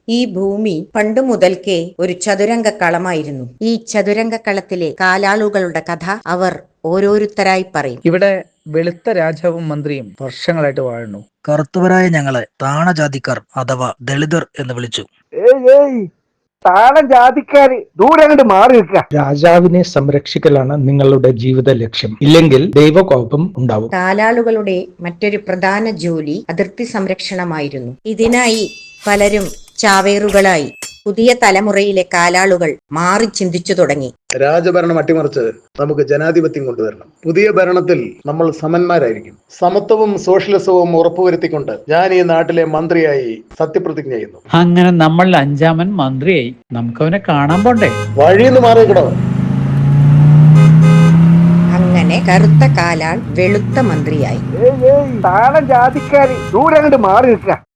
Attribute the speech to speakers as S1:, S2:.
S1: ഈ ഭൂമി പണ്ടു മുതൽക്കേ ഒരു ചതുരംഗ കളമായിരുന്നു. ഈ ചതുരംഗ കളത്തിലെ കാലാളുകളുടെ കഥ അവർ ഓരോരുത്തരായി പറയും.
S2: ഇവിടെ വെളുത്ത രാജാവും മന്ത്രിയും വർഷങ്ങളായിട്ട് വാഴുന്നു.
S3: കറുത്തവരായ ഞങ്ങളെ താണജാതിക്കാർ അഥവാ ദളിതർ എന്ന് വിളിച്ചു.
S4: താളം ജാതിക്കാര് ദൂരെ അങ്ങോട്ട് മാറി നിൽക്കുക.
S5: രാജാവിനെ സംരക്ഷിക്കലാണ് നിങ്ങളുടെ ജീവിത ലക്ഷ്യം, ഇല്ലെങ്കിൽ ദൈവകോപം ഉണ്ടാവും.
S1: കാലാളുകളുടെ മറ്റൊരു പ്രധാന ജോലി അതിർത്തി സംരക്ഷണമായിരുന്നു. ഇതിനായി പലരും ചാവേറുകളായി. പുതിയ തലമുറയിലെ കാലാളുകൾ മാറി ചിന്തിച്ചു തുടങ്ങി.
S6: രാജഭരണം അട്ടിമറിച്ച് നമുക്ക് ജനാധിപത്യം കൊണ്ടുവരണം. പുതിയ ഭരണത്തിൽ നമ്മൾ സമന്മാരായിരിക്കും. സമത്വവും സോഷ്യലിസവും ഉറപ്പുവരുത്തിക്കൊണ്ട് ഞാൻ ഈ നാട്ടിലെ മന്ത്രിയായി സത്യപ്രതിജ്ഞ ചെയ്യുന്നു.
S2: അങ്ങനെ നമ്മൾ 5-ാമൻ മന്ത്രിയായി. നമുക്കവനെ കാണാൻ പോണ്ടേ?
S6: വഴിന്ന് മാറിയിക്കണോ?
S1: അങ്ങനെ കറുത്ത കാലാൾ വെളുത്ത മന്ത്രിയായി.
S4: താളം ജാതിക്കാര് ദൂരെ അങ്ങോട്ട് മാറി നിൽക്കുക.